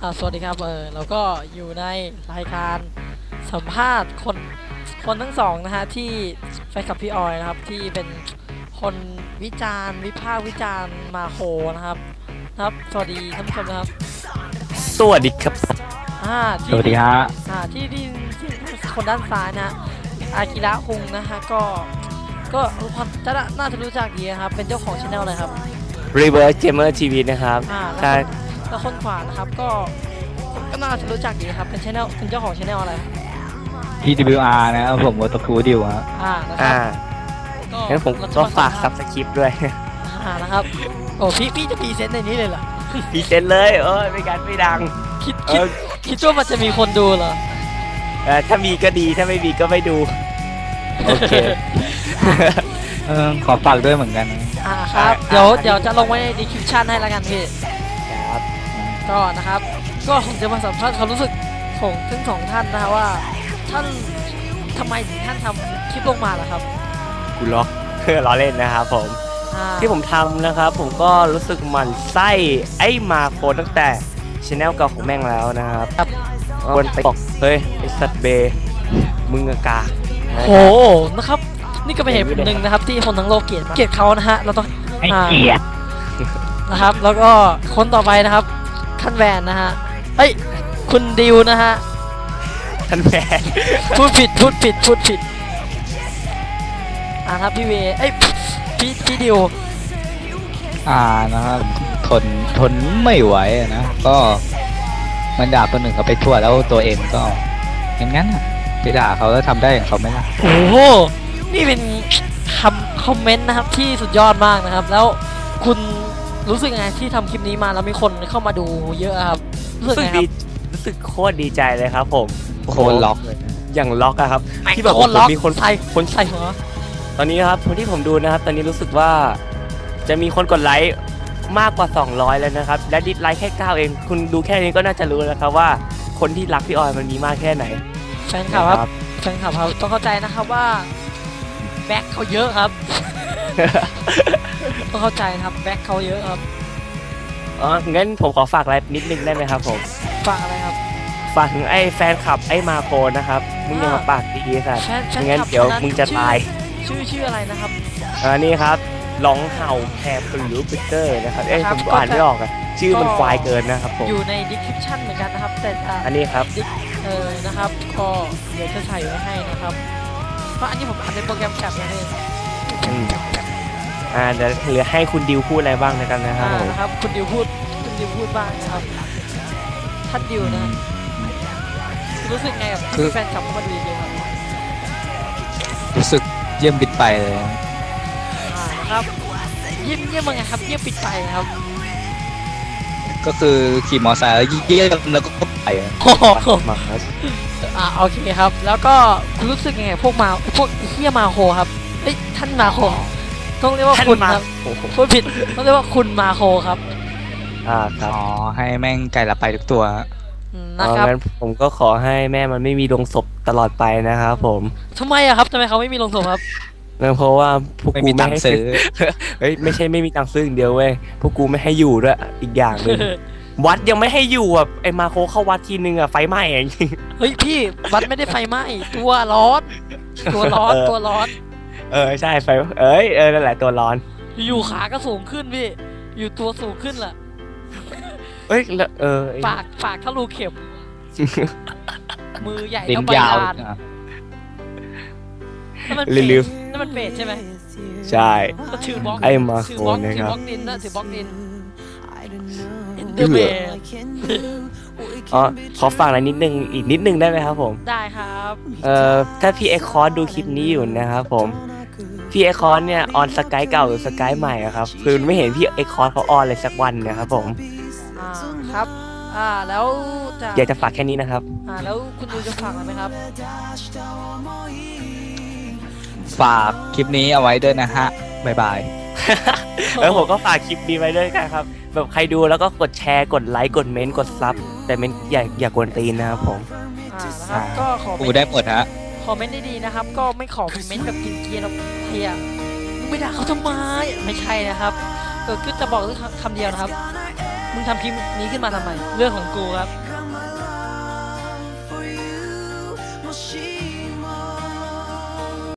สวัสดีครับเราก็อยู่ในรายการสัมภาษณ์คนทั้งสองนะฮะที่แฟนคลับพี่ออยนะครับที่เป็นคนวิพากษ์วิจารณ์มาโคนะครับสวัสดีท่านผู้ชมนะครับสวัสดีครับสวัสดีฮะที่คนด้านซ้ายนะอากิระคุงนะฮะก็น่าจะรู้จักดีนะครับเป็นเจ้าของช่องเลยครับ Reverse Gamer TV นะครับแล้วคนขวานะครับก็น่าจะรู้จักดีครับเป็นเจ้าของช่องอะไร TWR นะครับผมวอตคูดิวครับงั้นผมก็ฝากซับสคริปต์ด้วยนะครับโอ้พี่จะพรีเซนต์ในนี้เลยเหรอพรีเซนต์เลยไม่ดังคิดว่ามันจะมีคนดูเหรอถ้ามีก็ดีถ้าไม่มีก็ไม่ดูโอเคขอฝากด้วยเหมือนกันครับเดี๋ยวจะลงไว้ใน description ให้แล้วกันพี่ครับก็นะครับก็ผมจะมาสัมภาษณ์ความรู้สึกของทั้งสองท่านนะว่าท่านทำไมถึงท่านทำคลิปลงมาล่ะครับกูล็อกล้อเล่นนะครับผมที่ผมทำนะครับผมก็รู้สึกหมั่นไส้ไอ้มาโคตั้งแต่ชแนลเก่าของแม่งแล้วนะครับคนไปบอกเฮ้ยไอ้สัตว์เบมึงกาโหนะครับนี่ก็เป็นเหตุหนึ่งนะครับที่คนทั้งโลกเกลียดเขานะฮะเราต้องให้เกลียดนะครับแล้วก็คนต่อไปนะครับท่านแวนนะฮะเอ้ยคุณดิวนะฮะท่านแวนพูดผิดครับพี่เวเอ้ยพี่ดิวนะครับทนไม่ไหวนะก็มันด่าคนหนึ่งเขาไปทั่วแล้วตัวเองก็อย่างนั้นไปด่าเขาแล้วทำได้อย่างเขาไหมล่ะโอ้โหนี่เป็นคอมเมนต์นะครับที่สุดยอดมากนะครับแล้วคุณรู้สึกไงที่ทำคลิปนี้มาแล้วมีคนเข้ามาดูเยอะครับรู้สึกโคตรดีใจเลยครับผมโคตรล็อกเลยอย่างล็อกอะครับที่แบบมีคนใส่หัวตอนนี้ครับคนที่ผมดูนะครับตอนนี้รู้สึกว่าจะมีคนกดไลค์มากกว่า200แล้วนะครับและดิสไลค์แค่9เองคุณดูแค่นี้ก็น่าจะรู้แล้วครับว่าคนที่รักพี่ออยมันมีมากแค่ไหนแฟนคลับครับต้องเข้าใจนะครับว่าแบ็คเขาเยอะครับต้องเข้าใจนะครับแบ็คเขาเยอะครับงั้นผมขอฝากอะไรนิดนึงได้ไหมครับผมฝากอะไรครับฝากถึงไอ้แฟนคลับไอ้มาโคนะครับมึงอย่ามาปากดีๆสัตว์งั้นเดี๋ยวมึงจะตายชื่ออะไรนะครับนี่ครับร้องเห่าแคร์ปลิวปิเตอร์นะครับผมอ่านไม่ออกอะชื่อมันควายเกินนะครับผมอยู่ใน description เหมือนกันนะครับแต่อันนี้ครับนะครับก็เดี๋ยวจะใส่ไว้ให้นะครับเพราะอันนี้ผมอ่านในโปรแกรมแคปนะเนี่ยเดี๋ยวเหลือให้คุณดิวพูดอะไรบ้างในกันนะครับคุณดิวพูดบ้างนะครับท่านดิวนะรู้สึกไงกับแฟนคลับเข้ามาดูเยอะครับรู้สึกเยี่ยมปิดไปเลยนะครับเยี่ยมยังไงครับเยี่ยมปิดไปครับก็คือขี่มอเตอร์ไซค์แล้วเยี่ยมแล้วก็ไปโอเคครับแล้วก็คุณรู้สึกยังไงพวกเฮียมาโคครับเฮ้ยท่านมาโคต้องเรียกว่าคุณครับพูดผิดต้องเรียกว่าคุณมาโคครับครับให้แม่งไก่ละไปทุกตัวนะครับงั้นผมก็ขอให้แม่มันไม่มีโรงศพตลอดไปนะครับผมทำไมอะครับทำไมเขาไม่มีโรงศพครับเพราะว่าพวกกูไม่ให้ซื้อเฮ้ยไม่ใช่ไม่มีตังค์ซื้ออย่างเดียวเว้ยพวกกูไม่ให้อยู่ด้วยอีกอย่างนึงวัดยังไม่ให้อยู่อ่ะไอ้มาโคเข้าวัดทีนึงอ่ะไฟไหม้จริงเฮ้ยพี่วัดไม่ได้ไฟไหม้ตัวร้อนใช่ไฟนั่นแหละตัวร้อนอยู่ขาก็สูงขึ้นพี่อยู่ตัวสูงขึ้นแหละปากทะลุเข็มมือใหญ่ต้องใบลานนั่นมันเป็ดใช่ไหมใช่ถือบล็อกไอ้มาโคนะครับถือบล็อกดินนะถือบล็อกดินเดอะเบย์ขอฝากอะไรอีกนิดนึงได้ไหมครับผมได้ครับถ้าพี่เอ็กคอร์สดูคลิปนี้อยู่นะครับผมพี่เอ็กคอร์สเนี่ยออนสกายเก่าหรือสกายใหม่ครับคือไม่เห็นพี่เอ็กคอร์สเขาออนเลยสักวันนะครับผมครับแล้วอยากจะฝากแค่นี้นะครับแล้วคุณดูจะฝากอะไรไหมครับฝากคลิปนี้เอาไว้ด้วยนะฮะบ๊ายบายแล้วผมก็ฝากคลิปนี้ไว้ด้วยกันครับแบบใครดูแล้วก็กดแชร์กดไลค์กดเมนต์กดซับแต่เมนต์อย่ากวนตีนนะครับผมนะครับก็ขอได้หมดฮะคอมเมนต์ดีๆนะครับก็ไม่ขอเมนต์แบบกินเกียร์แล้วเฮียไม่ด่าเขาทำไมไม่ใช่นะครับก็จะบอกคำเดียวนะครับมึงทำคลิปนี้ขึ้นมาทำไมเรื่องของกูครับ Got my love for you. Well, she